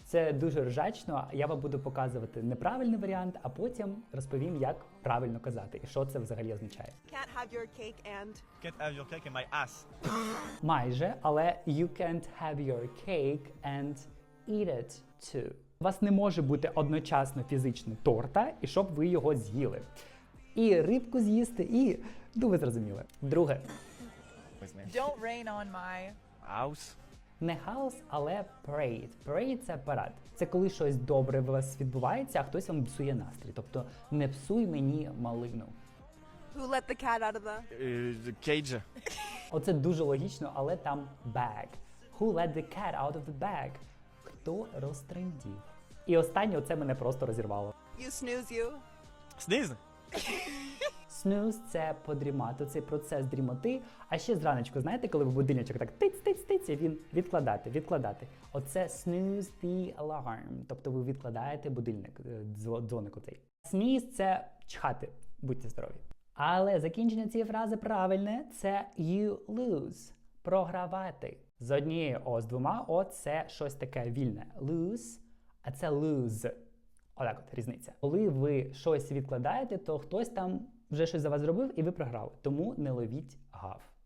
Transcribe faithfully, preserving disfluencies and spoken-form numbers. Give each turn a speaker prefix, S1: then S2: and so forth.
S1: Це дуже ржачно. Я вам буду показувати неправильний варіант, а потім розповім, як правильно казати і що це взагалі означає.
S2: Can't have your cake and...
S3: Can't have your cake in my ass.
S1: Майже, але you can't have your cake and eat it too. У вас не може бути одночасно фізично торта, і щоб ви його з'їли. І рибку з'їсти, і... Ну, ви зрозуміли. Друге.
S4: Don't rain on my...
S3: House.
S1: Не хаос, але parade. Parade – це парад. Це коли щось добре у вас відбувається, а хтось вам псує настрій. Тобто не псуй мені малину.
S2: Who let the cat out of the...
S3: Uh, the cage.
S1: Оце дуже логічно, але там bag. Who let the cat out of the bag? Хто розтрендів? І останнє, оце мене просто розірвало.
S2: You snooze you.
S3: Sneeze.
S1: Snooze – це подрімати, цей процес дрімоти. А ще зраночку, знаєте, коли ви будильничок так тиць-тиць-тиць, і він відкладати, відкладати. Оце snooze the alarm, тобто ви відкладаєте будильник, дзвоник оцей. Sneeze – це чхати, будьте здорові. Але закінчення цієї фрази правильне – це you lose, програвати. З однією О, з двома О – це щось таке вільне. Lose, а це lose. Отак от різниця. Коли ви щось відкладаєте, то хтось там вже щось за вас зробив і ви програли. Тому не ловіть гав.